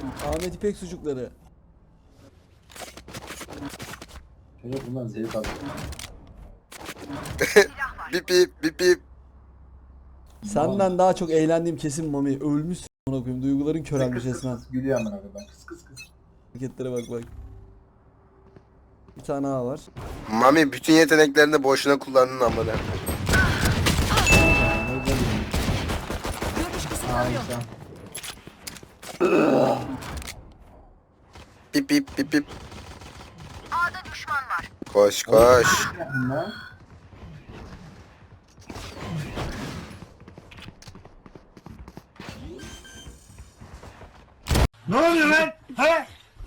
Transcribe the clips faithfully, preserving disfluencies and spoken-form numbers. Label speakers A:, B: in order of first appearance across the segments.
A: Ahmet İpek sucukları.
B: Çocuk bundan zevk alıyor.
C: Bip bip bip bip.
A: Senden daha çok eğlendiğim kesin Mami. Ölmüşsün amına koyayım. Duyguların körelmiş
B: Kıs kıs
A: resmen.
B: kıs gülüyor amına koyayım. Kıs kıs kıs.
A: Hareketlere bak bak. Bir tane daha var.
C: Mami bütün yeteneklerini boşuna kullandın amına.
B: Nereden bileyim?
D: Görüş kısıtlanıyor.
B: Harika.
C: Bip bip bip bip. A'da düşman var. Koş koş.
B: Bunlar.
E: Ne oluyor lan? He?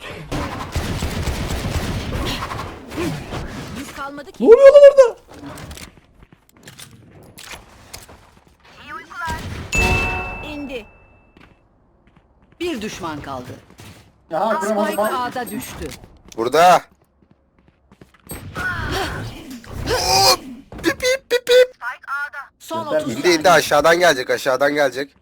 D: Biz kalmadı
A: Ne
D: ki.
A: oluyor lan orada?
D: İndi.
F: Bir düşman kaldı.
B: Ya kıramadım
F: Spike
B: bak.
F: A'da düştü.
C: Burada. Oo, bip bip bip bip.
F: Son
B: Göster
F: otuz
C: İndi indi
F: saniye.
C: aşağıdan gelecek aşağıdan gelecek.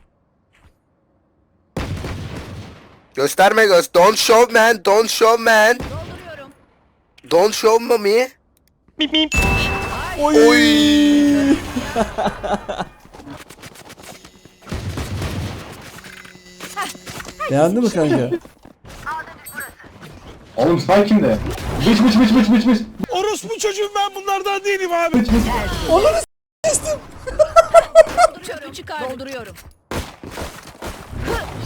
C: Gösterme göz. Don't show man. Don't show man.
D: Dolduruyorum.
C: Don't show Mami.
A: Oy.
C: Oy.
A: Beğendin mi kanka?
B: Oğlum spike kimde? Bıç bıç bıç bıç bıç bıç.
E: Orospu çocuğum ben bunlardan değilim abi.
B: Bıç bıç.
A: Ananı s**tim.
D: Dolduruyorum. Çıkar. Dolduruyorum.